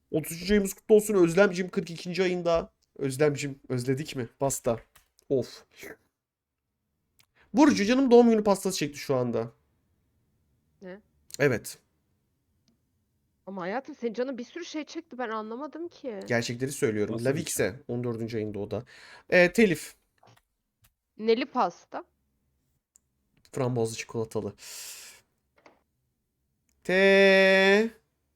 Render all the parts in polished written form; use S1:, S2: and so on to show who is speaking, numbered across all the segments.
S1: 33. ayımız kutlu olsun Özlemcim, 42. ayında. Özlemcim özledik mi? Pasta. Of. Burcu canım doğum günü pastası çekti şu anda.
S2: Ne?
S1: Evet.
S2: Ama hayatım senin canın bir sürü şey çekti ben anlamadım ki.
S1: Gerçekleri söylüyorum.
S3: Nasıl bir
S1: Lavikse 14. ayında o da. Telif.
S2: Neli pasta.
S1: Frambuazlı çikolatalı. Te...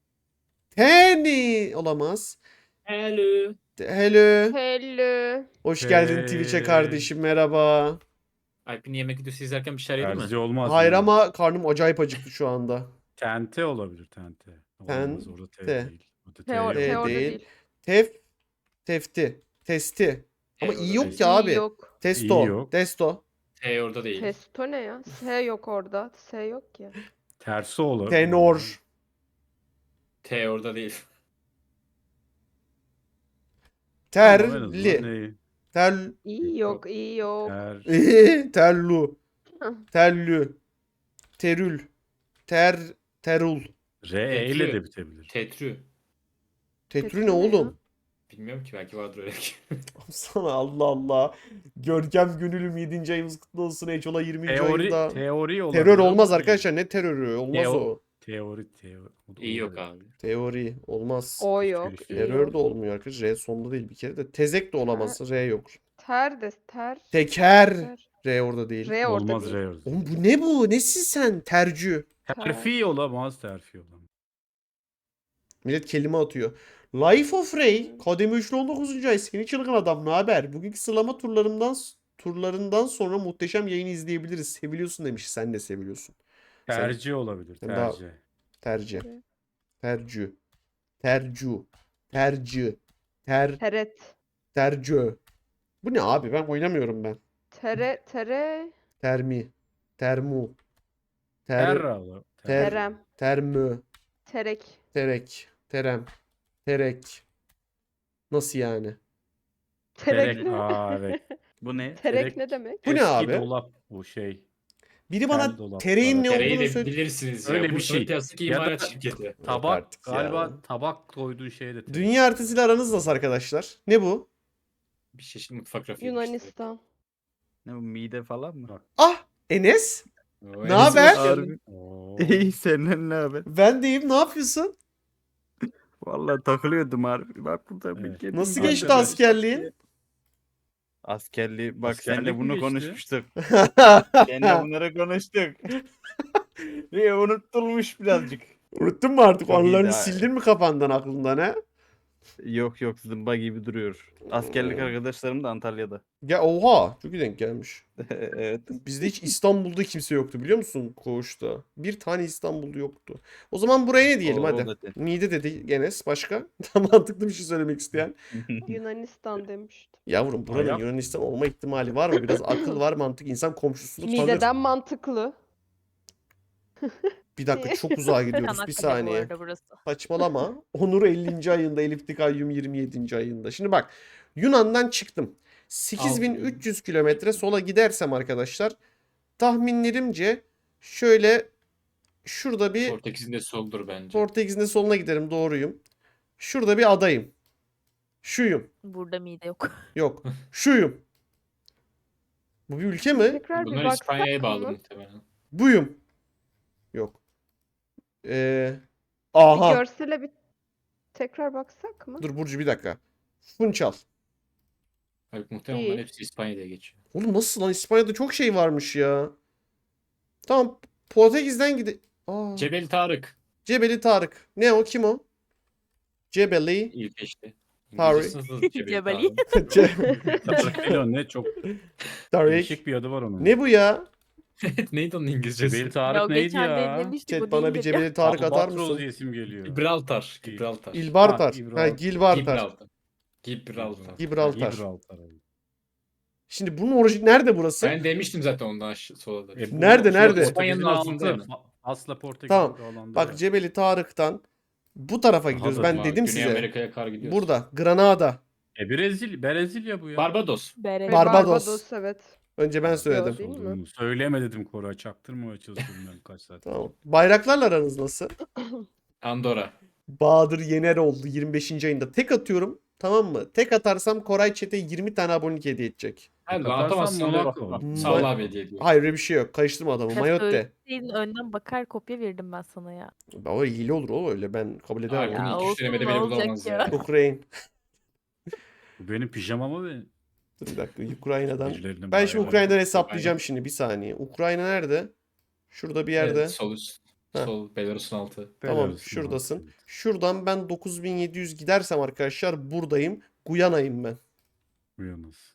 S1: Teni olamaz.
S4: Hello.
S1: Hello.
S2: Hello.
S1: Hoş geldin Twitch'e
S3: Hey.
S1: kardeşim, merhaba.
S4: Alp'in yemek videosu izlerken bir şeyler yedi mi?
S3: Terzi olmaz.
S1: Hayır
S3: mı?
S1: ama karnım acayip acıktı şu anda.
S3: Tente olabilir tente. Olmaz orada T
S1: Tente.
S3: değil. Orada T
S2: Te,
S3: yok.
S2: te orada
S1: değil.
S2: değil.
S1: Tefti. Testi. Ama
S4: orada
S1: iyi yok
S4: değil.
S1: ki
S2: İyi
S1: abi.
S2: yok.
S1: Testo.
S3: İyi yok.
S1: Testo.
S4: T orada değil.
S2: Testo ne ya? S yok orada. S yok ki.
S3: Tersi olur.
S1: Tenor.
S4: T orada değil.
S3: Tamam, en azından
S1: Terli.
S3: neyi?
S1: Tel.
S2: İyi yok. iyi yok.
S1: Terlu. Tellü. Terül. Terul.
S3: R ile de bitebilir.
S4: Tetrü.
S1: Tetrü ne oğlum?
S4: Bilmiyorum ki belki vardır öyle.
S1: Sana Allah Allah. Görkem Gönül'üm 7. ayımız kutlu olsun. Eçola 20. ayında.
S3: Teori olabilir.
S1: Terör olmaz
S3: ama
S1: arkadaşlar. Ne terörü? Olmaz o.
S3: Teori.
S4: İyi yok abi.
S1: Teori olmaz.
S2: O
S3: Hiçbir
S2: yok.
S3: şey
S2: iyi
S1: Terör
S2: yok.
S1: de olmuyor arkadaşlar. R sonunda değil bir kere de. Tezek de olamaz. R yok.
S2: Ter de ter.
S1: Teker.
S2: Ter.
S1: R orada değil.
S2: R orada
S3: Olmaz
S2: değil.
S3: R orada.
S1: Oğlum bu ne bu? Nesin sen? Tercü.
S3: Terfi olamaz. Terfi olamaz.
S1: Millet kelime atıyor. Life of Ray. Kademe 3'lü 19. ay. Seni çılgın adam. Ne haber? Bugünkü sıralama turlarından sonra muhteşem yayını izleyebiliriz. Seviliyorsun demiş. Sen de seviliyorsun.
S3: Tercih olabilir.
S1: sen daha-
S3: Tercih.
S1: Tercih.
S2: Evet.
S1: Tercü. Tercu. Tercü. Ter.
S2: Teret.
S1: Tercü. Bu ne abi? Ben oynamıyorum ben.
S2: Tere.
S1: Termi. Termu.
S3: Terra olur.
S2: Terem.
S1: Termü.
S2: Terek.
S1: Terek. Terem. Terek. Nasıl yani?
S2: Terek
S3: Terek.
S2: ne?
S3: Aa evet. Bu ne?
S2: Terek ne demek?
S1: Bu ne
S3: Eski
S1: abi?
S3: dolap bu şey.
S1: Biri
S3: Tel
S1: bana
S3: dolaplar.
S1: tereyin ne
S4: Tereyi
S1: olduğunu
S4: de
S1: söyle.
S4: bilirsiniz ya.
S3: Öyle bir
S4: Bursa'nın
S3: şey.
S4: plastik
S3: Ya da-
S4: imalat şirketi.
S3: Tabak
S1: artık
S3: galiba
S1: ya.
S3: tabak koyduğu şeye de terek.
S1: Dünya haritasıyla aranız nasıl arkadaşlar? Ne bu?
S4: Bir çeşit mutfak rafı.
S2: Yunanistan.
S5: Ne bu mide falan mı?
S3: Bak.
S1: Ah! Enes?
S4: Ne
S1: Ne haber?
S5: Harbi.
S3: Oo.
S5: İyi senden ne haber?
S1: Ben deyim, ne yapıyorsun?
S5: Vallahi takılıyordum harbi. Bak burada bir
S3: Evet.
S5: kedi
S1: Nasıl
S5: var.
S1: geçti askerliğin?
S5: Askerliği bak
S3: Askerlik
S5: seninle
S3: mi
S5: bunu
S3: geçti?
S5: konuşmuştuk. Seninle bunları konuştuk. Ve unutulmuş birazcık.
S1: Unuttun mu artık?
S5: Çok iyiydi
S1: Onları
S5: ha.
S1: sildin mi kafandan, aklından ha?
S5: Yok zımba gibi duruyor. Askerlik arkadaşlarım da Antalya'da.
S1: Ya oha! Çok iyi denk gelmiş.
S5: Evet.
S1: Bizde hiç İstanbul'da kimse yoktu biliyor musun koğuşta? Bir tane İstanbul'da yoktu. O zaman buraya ne diyelim
S5: O
S1: hadi.
S5: zaten.
S1: Mide dedi Enes. Başka? Tam mantıklı bir şey söylemek isteyen.
S2: Yunanistan demiştim.
S1: Yavrum buranın
S3: Ayak.
S1: Yunanistan olma ihtimali var mı? Biraz akıl var, mantık. İnsan komşusunu tanır.
S2: Mideden mantıklı.
S1: Bir dakika, çok uzağa gidiyoruz. Bir
S6: Çanakkale bu
S1: saniye.
S6: arada burası.
S1: Saçmalama. Onur 50. ayında, Elif Dikayyum 27. ayında. Şimdi bak, Yunan'dan çıktım. 8300 kilometre sola gidersem arkadaşlar, tahminlerimce şöyle şurada bir
S4: Portekiz'in de soldur bence.
S1: Portekiz'in de soluna giderim, doğruyum. Şurada bir adayım. Şuyum.
S6: Burada mide yok.
S1: Yok. Şuyum. Bu bir ülke mi?
S2: Tekrar bir
S4: Bunlar
S2: baksak
S4: İspanya'ya bağlı
S2: mı?
S4: muhtemelen.
S1: Buyum. Yok.
S2: Bir
S1: Aha.
S2: görsele bir tekrar baksak mı?
S1: Dur Burcu, bir dakika. Funchal.
S4: Halbuki muhtemelen
S2: İyi.
S4: onların hepsi İspanya'ya geçiyor.
S1: Oğlum nasıl lan? İspanya'da çok şey varmış ya. Tamam. Portekiz'den gide... Aa.
S4: Cebel Tarık.
S1: Cebeli Tarık. Ne o? Kim o? Cebeli.
S4: İlk işte.
S1: Tarık.
S4: İngilizcesi nasıl Cebel
S6: Cebeli.
S4: Tarık?
S3: Tarık değil o ne çok
S1: Tarık.
S3: değişik bir adı var onun.
S1: Ne bu ya?
S4: Neydi onun İngilizcesi?
S3: Cebel
S6: Ya
S3: Tarık neydi
S6: geçen de
S3: ya?
S6: demiştik
S1: Chat
S6: bu
S1: bana bir
S6: değildir ya.
S1: Cebeli Tarık atar
S3: Albatros
S1: mısın?
S3: diye isim geliyor.
S4: Gibraltar.
S3: Değil.
S4: Gibraltar.
S1: İlbartar.
S3: Ha,
S1: Ha, Gilbartar.
S4: Gibraltar. Gibraltar.
S1: Gibraltar.
S3: Gibraltar.
S1: Şimdi bunun orijin nerede burası?
S4: Ben demiştim zaten ondan sola da.
S3: Bu
S1: Nerede,
S3: şey,
S1: nerede?
S4: İspanya'nın
S3: Portekiz'in
S4: altında
S3: altı.
S4: mı?
S3: Asla Portekiz'in
S1: Tamam.
S3: alanda.
S1: Bak Cebeli Tarık'tan bu tarafa
S3: Daha
S1: gidiyoruz.
S3: da
S1: Ben
S4: Ama
S1: dedim
S4: Güney
S1: size.
S4: Amerika'ya kar gidiyoruz.
S1: Burada. Granada.
S3: Brezilya bu ya.
S4: Barbados.
S6: Bere.
S1: Barbados.
S2: Evet.
S1: Önce ben söyledim.
S2: Yok, değil mi?
S3: Olduğunu söyleme dedim Koray. Çaktırmamaya çalışıyorum ben kaç saat.
S1: Tamam. Bayraklarla aranız nasıl?
S4: Andorra.
S1: Bahadır Yener oldu 25. ayında. Tek atıyorum. Tamam mı? Tek atarsam Koray Çete 20 tane abonelik hediye edecek.
S4: Hadi
S3: Atarsan
S4: atamazsan
S3: Monaco.
S4: öyle Salla abi hediye ediyor.
S1: Hayır öyle bir şey yok. Karıştırma adamı. Mayotte.
S6: Söyleseydin önden bakar kopya verirdim ben sana ya.
S1: O hile olur o öyle. Ben kabul edemem.
S4: Abi
S1: onu.
S4: bunu
S6: Ya
S4: ilk
S6: olsun,
S4: üçlemede
S6: ne
S4: bile
S6: olacak
S4: bulamaz
S6: ya?
S4: ya.
S1: Ukrayna.
S3: Bu benim pijamama ve
S1: Dur bir dakika. Ukrayna'dan.
S3: birilerinin
S1: Ben şimdi
S3: bayağı-
S1: Ukrayna'dan hesaplayacağım şimdi. Bir saniye. Ukrayna nerede? Şurada bir yerde.
S4: Evet, sol üst.
S1: Heh.
S4: Sol Belarus'un altı.
S1: Tamam
S3: Belarus'un
S1: şuradasın.
S3: altı.
S1: Şuradan ben 9700 gidersem arkadaşlar buradayım. Guyana'yım ben.
S3: Uyanız.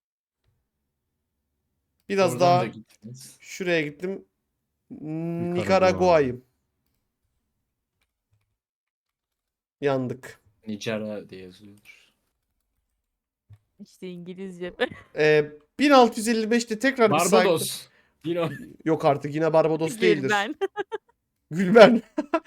S1: Biraz
S4: Oradan
S1: daha
S4: da gittiniz.
S1: şuraya gittim. Nikaragua'yım. Yandık.
S4: Nicara diye yazıyordur.
S6: İşte İngilizce.
S1: 1655'te tekrar bir site-
S4: Barbados. Yine o.
S1: Yok artık yine Barbados değildir.
S6: Ben.
S1: Gülben.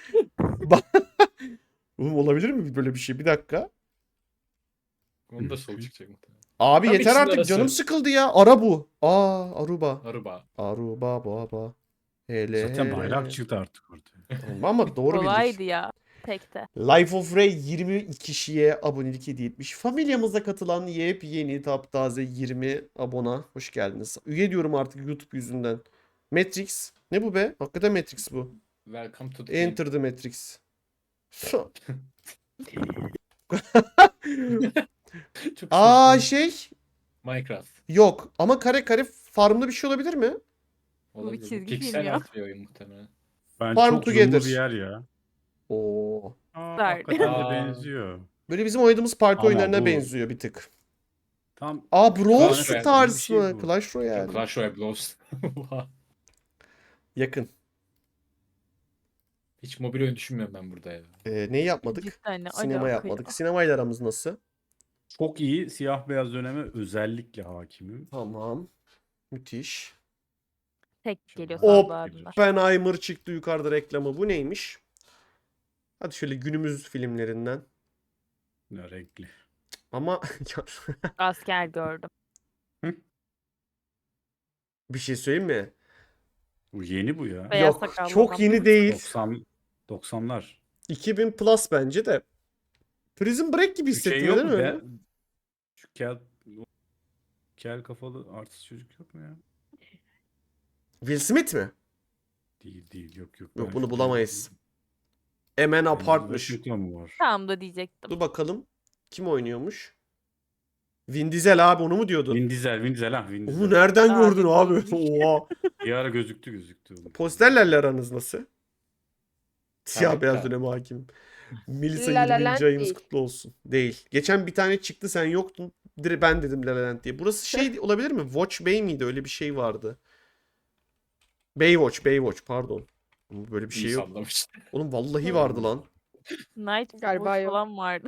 S1: Oğlum olabilir mi böyle bir şey? Bir dakika.
S4: Onu da sol çıkacak muhtemelen.
S1: Abi
S4: Tabii
S1: yeter
S4: ikisinin
S1: artık
S4: arası.
S1: canım sıkıldı ya. Ara bu. Aruba.
S4: Aruba.
S1: Aruba baba. Hele
S3: Zaten
S1: hele.
S3: bayrak çıktı artık ortaya.
S1: Tamam ama doğru bildik.
S6: Kolaydı ya. Tekte.
S1: Life of Ray 20 kişiye abonelik hediye etmiş. Familyamıza katılan yepyeni taptaze 20 abona. Hoş geldiniz. Üye diyorum artık YouTube yüzünden. Matrix. Ne bu be? Hakikaten Matrix bu.
S4: Welcome to the game.
S1: Enter the Matrix.
S4: Çok
S1: Aa
S4: saçma.
S1: şey
S4: Minecraft.
S1: yok ama kare kare farmlı bir şey olabilir mi?
S4: Olabilir. Bu
S6: çizgi film
S4: Pixel
S6: ya.
S4: art bir oyun muhtemelen.
S3: Ben
S1: Farm
S3: çok
S1: Together.
S3: zoomlu bir yer ya.
S1: Oo.
S3: Hakikaten
S4: Aa.
S3: de benziyor.
S1: Böyle bizim oynadığımız parti
S3: Ama
S1: oyunlarına
S3: bu-
S1: benziyor bir tık.
S3: Tam
S1: Brawl
S4: Clash Royale
S1: Stars
S3: gibi bir şey
S1: mı?
S3: bu.
S1: Clash Royale.
S4: Clash Royale Blows.
S1: Yakın.
S4: Hiç mobil oyun düşünmüyorum ben burada ya.
S1: Neyi yapmadık?
S6: Cidden ne
S1: Sinema
S6: alaka
S1: yapmadık.
S6: ya?
S1: Sinemayla aramız nasıl?
S3: çok iyi siyah beyaz döneme özellikle hakimim.
S1: Tamam. Müthiş.
S6: Tek geliyor
S3: Hop.
S6: sabahında.
S1: Oppenheimer çıktı yukarıda reklamı. Bu neymiş? Hadi şöyle günümüz filmlerinden.
S3: Ne renkli.
S1: Ama
S6: Asker gördüm.
S1: bir şey söyleyeyim mi?
S3: Bu yeni bu ya.
S6: Beyaz
S1: Yok,
S6: sakallı
S1: çok
S6: adam.
S1: yeni değil.
S3: 90'lar.
S1: 2000 plus bence de. Prison Break gibi
S3: Bir şey
S1: hissettim
S3: yok
S1: değil
S3: mu?
S1: mi?
S3: Şu kel kafalı artist çocuk yok mu ya?
S1: Will Smith mi?
S3: Değil yok.
S1: Yok,
S3: Ben
S1: bunu
S3: şu-
S1: bulamayız. Emen
S3: Denzel
S1: Apartmış.
S3: Washington var.
S6: Tam da diyecektim.
S1: Dur bakalım. Kim oynuyormuş? Vin Diesel abi onu mu diyordun?
S3: Vin Diesel ha Vin
S1: Onu
S3: Diesel.
S1: nereden
S6: Abi,
S1: gördün abi?
S6: neymiş?
S1: Oha.
S3: Bir ara gözüktü.
S1: Posterlerle aranız nasıl? Siyah
S4: Evet,
S1: beyaz
S4: evet.
S1: döneme hakim. Melisa
S2: La La
S1: 20.
S2: Land
S1: ayınız
S2: değil.
S1: kutlu olsun. Değil. Geçen bir tane çıktı sen yoktun. Direkt ben dedim La La Land diye. Burası şey olabilir mi? Watch Bay miydi? Öyle bir şey vardı. Baywatch pardon. Ama böyle bir şey
S4: İyi
S1: yok.
S4: sallamış.
S1: Oğlum vallahi vardı lan.
S6: Night
S2: Galiba
S6: Galiba
S2: yok.
S6: falan vardı.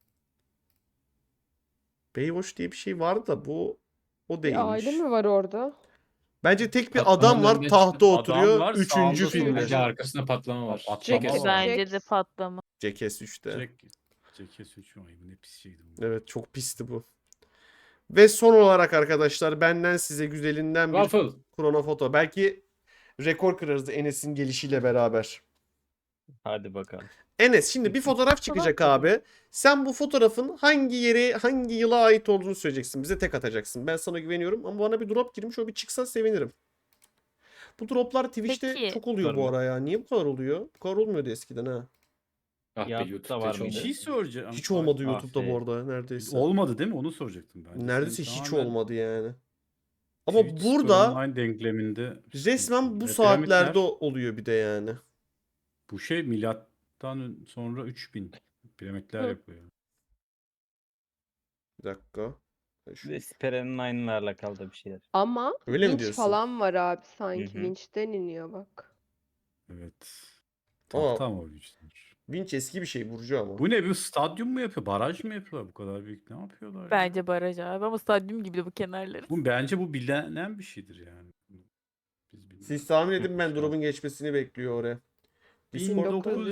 S1: Baywatch diye bir şey vardı da bu o
S2: Bir
S1: değilmiş.
S2: aile mi var orada?
S1: Bence tek bir
S4: Patlamanın
S1: adam var
S4: önüne
S1: tahta
S4: çıktı.
S3: Adam
S1: oturuyor.
S3: var,
S1: Üçüncü
S3: sağında
S1: filmde.
S4: Bence arkasında patlama var.
S3: Patlama
S2: Jackass.
S3: var.
S6: Bence de patlama.
S1: Jackass 3'te.
S3: Jackass 3 ne pis şeydi bu.
S1: Evet çok pisti bu. Ve son olarak arkadaşlar benden size güzelinden bir
S4: Waffle.
S1: kronofoto. Belki rekor kırarız Enes'in gelişiyle beraber.
S5: Hadi bakalım.
S1: Enes şimdi bir fotoğraf çıkacak abi. Sen bu fotoğrafın hangi yere, hangi yıla ait olduğunu söyleyeceksin. Bize tek atacaksın. Ben sana güveniyorum ama bana bir drop girmiş. O bir çıksa sevinirim. Bu droplar Twitch'te
S6: Peki.
S1: çok oluyor bu
S5: Var mı?
S1: ara ya. Niye bu kadar oluyor? Bu kadar olmuyordu eskiden ha.
S4: Ah be
S5: YouTube'da
S4: YouTube'da
S5: var
S4: hiç
S5: mıydı?
S3: Bir
S4: olmadı.
S3: şey soracağım.
S1: Hiç olmadı
S5: ah
S1: YouTube'da
S5: be.
S1: bu arada neredeyse.
S3: Olmadı değil mi? Onu soracaktım ben.
S1: Neredeyse
S3: Senin
S1: hiç
S3: tamamen
S1: olmadı yani. Ama
S3: Twitch
S1: burada
S3: Online denkleminde
S1: resmen bu
S3: Ve
S1: saatlerde
S3: piramitler-
S1: oluyor bir de yani.
S3: bu şey milattan sonra 3000 piramitler
S2: Hı.
S3: yapıyor.
S1: Bir dakika. Şu-
S5: Ve Speren'in aynılarla kaldı bir şeyler.
S2: Ama
S1: Öyle mi
S2: vinç
S1: diyorsun?
S2: falan var abi sanki.
S5: Hı hı.
S2: Vinçten iniyor bak.
S3: Evet.
S1: Ama-
S3: Tahta ama o yüzden.
S1: Vinç eski bir şey Burcu ama.
S3: Bu ne? Bir stadyum mu yapıyor? Baraj mı yapıyorlar? Bu kadar büyük ne yapıyorlar ya?
S6: Bence baraj abi ama stadyum gibi de bu kenarları.
S3: Bence bu bilinen bir şeydir yani. Biz bilmiyoruz.
S1: Siz tahmin edin ben
S3: Yapmışlar.
S1: drop'un geçmesini bekliyor oraya. Discord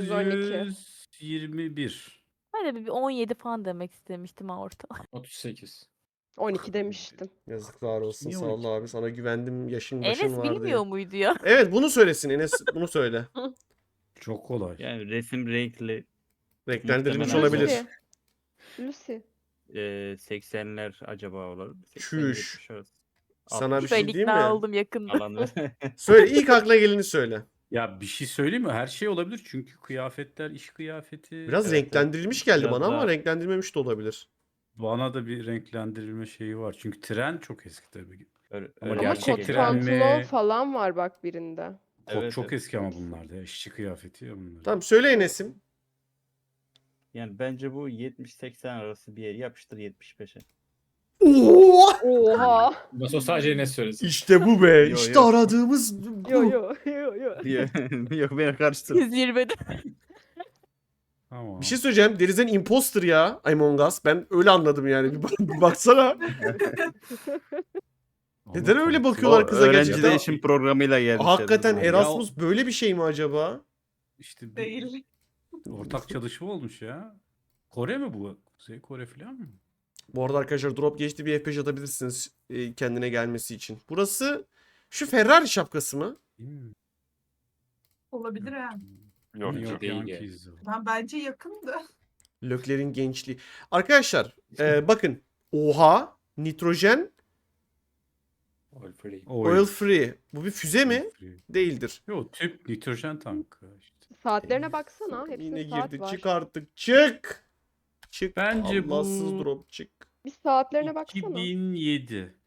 S3: 1921.
S6: Hadi bir 17 falan demek istemiştim ha orta.
S4: 38.
S2: 12 demiştim.
S1: yazıklar olsun
S3: Niye
S1: sağ ol
S3: 12?
S1: abi. Sana güvendim yaşın başın
S6: Enes
S1: var diye.
S6: bilmiyor muydu ya?
S1: Evet bunu söylesin Enes bunu söyle.
S3: Çok kolay.
S5: Yani resim renkli
S1: Renklendirilmiş
S5: Muhtemelen
S1: olabilir.
S2: Lucy. Lucy.
S5: 80'ler acaba olur.
S1: Çüş.
S5: 80-70 arası.
S1: Sana bir
S5: 60
S1: şey
S6: Ben
S1: diyeyim
S6: ikna
S1: mi?
S6: oldum yakında.
S5: alanlar.
S1: Söyle, ilk aklına geleni söyle.
S3: Ya bir şey söyleyeyim mi? Her şey olabilir çünkü kıyafetler, iş kıyafeti.
S1: Biraz
S5: Evet,
S1: renklendirilmiş geldi
S5: Biraz
S1: bana ama
S5: daha-
S1: renklendirmemiş de olabilir.
S3: Bana da bir renklendirilme şeyi var. Çünkü tren çok eski tabii.
S5: Öyle,
S3: Ama
S5: öyle
S2: Ama
S3: gerçek
S2: kot
S5: geldi.
S3: tren
S2: pantolon
S3: mi?
S2: falan var bak birinde.
S3: Kot
S5: Evet,
S3: çok
S5: evet.
S3: eski ama bunlar da. İşçi kıyafeti ya bunlar.
S1: Tamam, söyle Enes'im.
S5: Yani bence bu 70-80 arası bir yer. Yapıştır 75'e.
S1: Oo!
S2: Oha.
S4: Nasıl sadece ne söylesin?
S1: İşte bu be.
S5: Yo,
S1: İşte
S5: yo.
S1: aradığımız bu.
S2: Yo yo yo yo.
S5: Yok beni karıştır.
S6: 120'de.
S3: Tamam.
S1: Bir şey söyleyeceğim. There is an imposter ya Among Us. Ben öyle anladım yani. Bir baksana.
S3: Ama
S1: Neden öyle
S3: farklı.
S1: bakıyorlar
S5: O
S1: kıza
S5: öğrenci
S1: gerçekten?
S5: değişim programıyla gelmiş.
S1: Hakikaten
S3: Ya
S1: Erasmus böyle bir şey mi acaba?
S3: İşte bir
S7: Değil.
S3: ortak çalışma olmuş ya. Kore mi bu? Kuzey Kore falan mı?
S1: Bu arada arkadaşlar drop geçti, bir F5 atabilirsiniz kendine gelmesi için. Burası şu Ferrari şapkası mı?
S3: Değil mi?
S7: Olabilir ha.
S4: Yok,
S3: New York
S4: değil ya.
S3: Yankees o.
S7: Ben bence yakındı.
S1: Lökler'in gençliği. Arkadaşlar bakın. Oha. Nitrojen
S4: All free.
S1: oil free. Bu bir füze mi?
S3: Free.
S1: Değildir.
S3: Yok tüp nitrojen tankı işte.
S2: Saatlerine baksana. Hepsinin
S1: Yine
S2: saat
S1: girdi.
S2: var.
S1: Çık artık. Çık. Çık.
S3: Bence
S1: Allahsız
S3: bu-
S1: drop çık.
S2: Bir saatlerine baksana.
S3: 2007.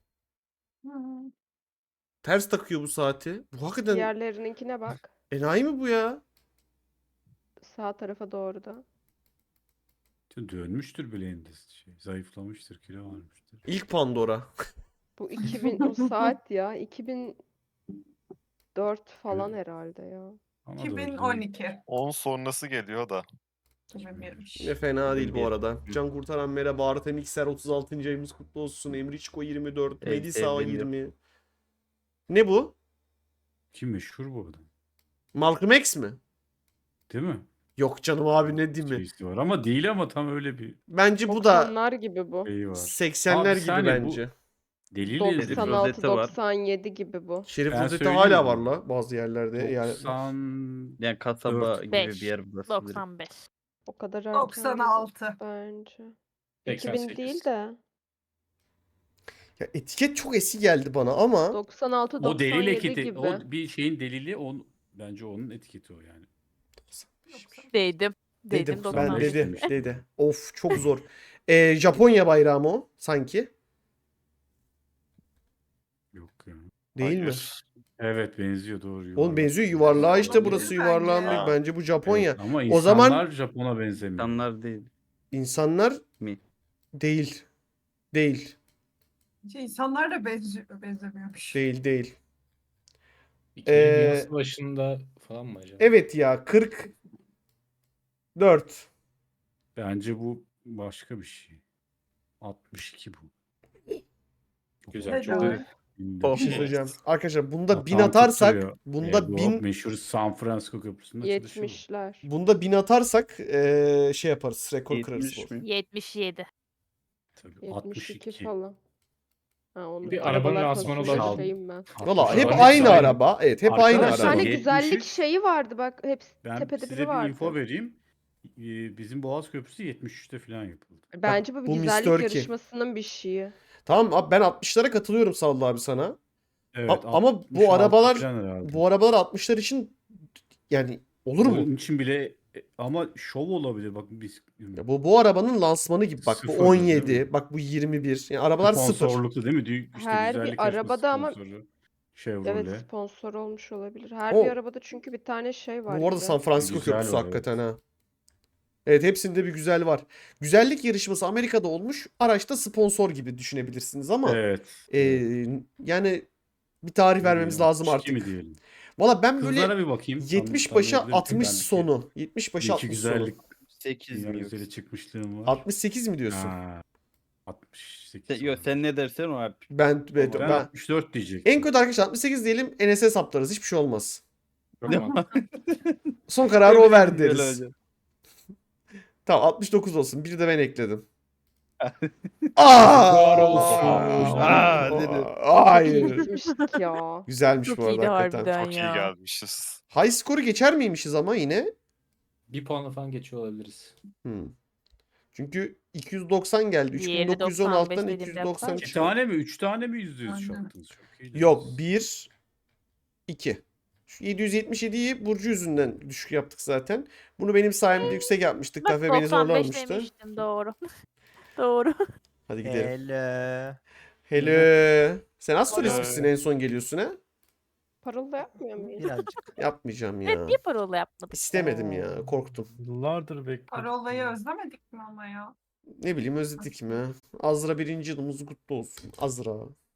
S1: Ters takıyor bu saati. Bu hakikaten
S2: Diğerlerininkine bak.
S1: enayi mi bu ya?
S2: Sağ tarafa doğru da.
S3: Dönmüştür bileğinde şey. Zayıflamıştır, kilo almıştır.
S1: İlk Pandora.
S2: Bu 2000 o saat ya. 2004 falan
S3: Evet.
S2: herhalde ya.
S3: Ama doğru değil.
S7: 2012.
S8: 10 sonrası geliyor da.
S7: 2001'miş.
S1: Ne fena değil bu
S5: 21.
S1: arada. Can Kurtaran merhaba. Artem Mikser 36. ayımız kutlu olsun. Emriçko 24.
S5: Evet,
S1: Medisa
S5: sevdiğim
S1: 20. Ne bu?
S3: Kim meşhur bu adam?
S1: Malcolm X mi?
S3: Değil mi?
S1: Yok canım abi, ne diyeyim mi?
S3: Şeysi var ama değil ama tam öyle bir
S1: Bence bu da
S2: 90'lar gibi bu.
S3: şeyi var.
S1: 80'ler
S3: Abi
S1: gibi
S3: saniye, bu-
S1: bence.
S3: Delil
S5: Doksan-
S3: nedir?
S2: 96
S5: rozeti var.
S2: 97 gibi bu.
S1: Şerif
S3: Ben
S1: rozeti
S3: söyleyeyim
S1: hala
S3: mi?
S1: var la bazı yerlerde. Yani
S3: 90
S5: Yani kasaba
S3: Dört.
S5: gibi
S6: Beş.
S5: bir yer burası.
S6: 95.
S2: O kadar erken değil
S7: 96.
S2: bence.
S4: 88.
S2: 2000 değil de.
S1: ya etiket çok eski geldi bana ama
S2: 96
S3: o delil
S2: 97
S3: etiketi,
S2: gibi.
S3: o bir şeyin delili bence onun etiketi o yani.
S6: Dedim.
S1: dedim ben
S6: 95.
S1: dedim dedi. Of çok zor. Japonya bayrağı mı o sanki?
S3: Yok ya.
S1: Değil mi?
S8: Hayır.
S3: Evet benziyor doğru.
S1: Oğlum
S3: yuvarlak.
S1: benziyor yuvarlağa işte,
S7: Olabilir
S1: burası
S7: bence
S1: yuvarlağın
S7: ya.
S1: büyük. Bence bu Japonya.
S3: Evet, ama
S1: O zaman-
S3: insanlar Japon'a benzemiyor.
S5: İnsanlar değil.
S1: İnsanlar
S5: Mi?
S1: değil. Değil.
S7: İnsanlar da benzemiyormuş.
S1: Değil.
S4: 2000 başında falan mı acaba?
S1: Evet ya 44.
S3: Bence bu başka bir şey. 62 bu.
S4: Güzel,
S7: Evet,
S4: çok
S7: doğru.
S4: iyi.
S1: Bir şey söyleyeceğim. Arkadaşlar bunda
S3: Hatam
S1: 1000 atarsak
S3: tutturuyor.
S1: bunda
S3: bu
S1: 1000
S3: meşhur San Francisco Köprüsü'nde çalışıyor.
S2: 70'ler.
S1: bunda 1000 atarsak şey yaparız. Rekor kırarız.
S5: 70 mi?
S6: 77.
S3: Tabii
S2: 72
S3: 62.
S2: falan. Ha, onu
S4: Bir arabanın
S2: arabalar
S4: lansmanı
S2: konusunda
S3: olabilir.
S2: şeyim ben.
S1: Valla hep
S4: Araba
S1: aynı
S4: aynı.
S1: araba. Evet hep aynı
S2: Bir
S3: Arkadaşlar,
S1: araba.
S2: tane güzellik
S3: 73
S2: şeyi vardı bak. Hepsi
S3: Ben
S2: tepede
S3: size
S2: biri
S3: bir
S2: vardı.
S3: info vereyim. Bizim Boğaz Köprüsü 73'te falan yapıldı.
S2: Bence bu bir
S1: bu
S2: güzellik
S1: Mr. K.
S2: yarışmasının bir şeyi.
S1: Tamam abi, ben 60'lara katılıyorum Sallı abi sana.
S3: Evet,
S1: Ama
S3: 66
S1: bu arabalar
S3: falan herhalde.
S1: bu arabalar 60'lar için yani olur mu?
S3: Onun için bile ama şov olabilir. Bak biz
S1: Ya bu arabanın lansmanı gibi. Bak bu
S3: Sıfır, değil
S1: 17,
S3: mi?
S1: bak bu 21. Yani arabalar sıfır.
S3: sponsorluklu değil mi? İşte
S2: Her bir
S3: güzellik yarışması
S2: arabada ama-
S3: sponsoru. Chevrolet.
S2: Evet, sponsor olmuş olabilir. Her
S1: O-
S2: bir arabada çünkü bir tane şey var.
S1: Bu arada
S2: güzel.
S1: San Francisco
S3: Güzel
S1: Köprüsü
S3: var,
S1: hakikaten
S3: evet.
S1: ha. Evet, hepsinde bir güzel var. Güzellik yarışması Amerika'da olmuş. Araçta sponsor gibi düşünebilirsiniz ama
S3: Evet.
S1: yani bir tarih vermemiz lazım
S3: 62
S1: artık.
S3: mi diyelim?
S1: Valla ben böyle
S3: Kızlara bir bakayım.
S1: 70 başa
S3: Tanıyabilirim.
S1: 60
S3: Ben bir-
S1: sonu. 70
S3: bir
S1: başa
S3: iki
S1: 60 sonu.
S3: güzellik
S5: 8
S3: dünya
S5: mi
S3: güzeli
S5: yoksa?
S3: çıkmışlığım var.
S1: 68 mi diyorsun?
S3: Ha, 68.
S5: Yok sen ne dersen o abi.
S1: Ben
S3: Ben 64 diyecektim.
S1: en kötü arkadaşlar 68 diyelim, Enes'e saplarız. Hiçbir şey olmaz.
S4: Tamam.
S1: Son kararı o ver
S5: Böyle
S1: deriz.
S5: hocam.
S1: Tamam 69 olsun. Bir de ben ekledim. Aa!
S4: Var olsun.
S5: Aa, dedi.
S1: Hayır.
S2: Gitmiştik ya.
S1: Güzelmiş
S6: Çok
S1: bu arada
S6: iyiydi
S1: hakikaten.
S6: harbiden
S8: Çok iyi
S6: ya.
S8: gelmişiz.
S1: High score'u geçer miymişiz ama yine?
S4: Bir puanla falan geçiyor olabiliriz.
S1: Çünkü 290 geldi.
S6: Diğeri
S1: 3916'dan
S6: 95 dediğimde
S1: 290
S6: yapar.
S3: İki
S1: çıktı.
S3: tane mi? 3 tane mi %100
S7: Aynen.
S3: yaptınız? Çok iyi.
S1: Yok 1 2. Şu 777'yi Burcu yüzünden düşük yaptık zaten. Bunu benim sayemde yüksek yapmıştık.
S6: Bak
S1: Kafe beni
S6: 95
S1: zorlamıştı.
S6: demiştim doğru. Doğru.
S1: Hadi gidelim.
S9: Hello.
S1: Hello. Sen astrolist
S8: Hello.
S1: misin en son geliyorsun ha?
S2: Parıl da yapmıyor muyuz?
S9: Birazcık.
S1: Yapmayacağım ya.
S6: Evet niye parola yapmadık?
S1: İstemedim ya. Korktum.
S3: Yıllardır bekliyorum.
S7: Parolayı özlemedik mi ama ya?
S1: Ne bileyim özledik mi? Azra 1. yılımız kutlu olsun. Azra.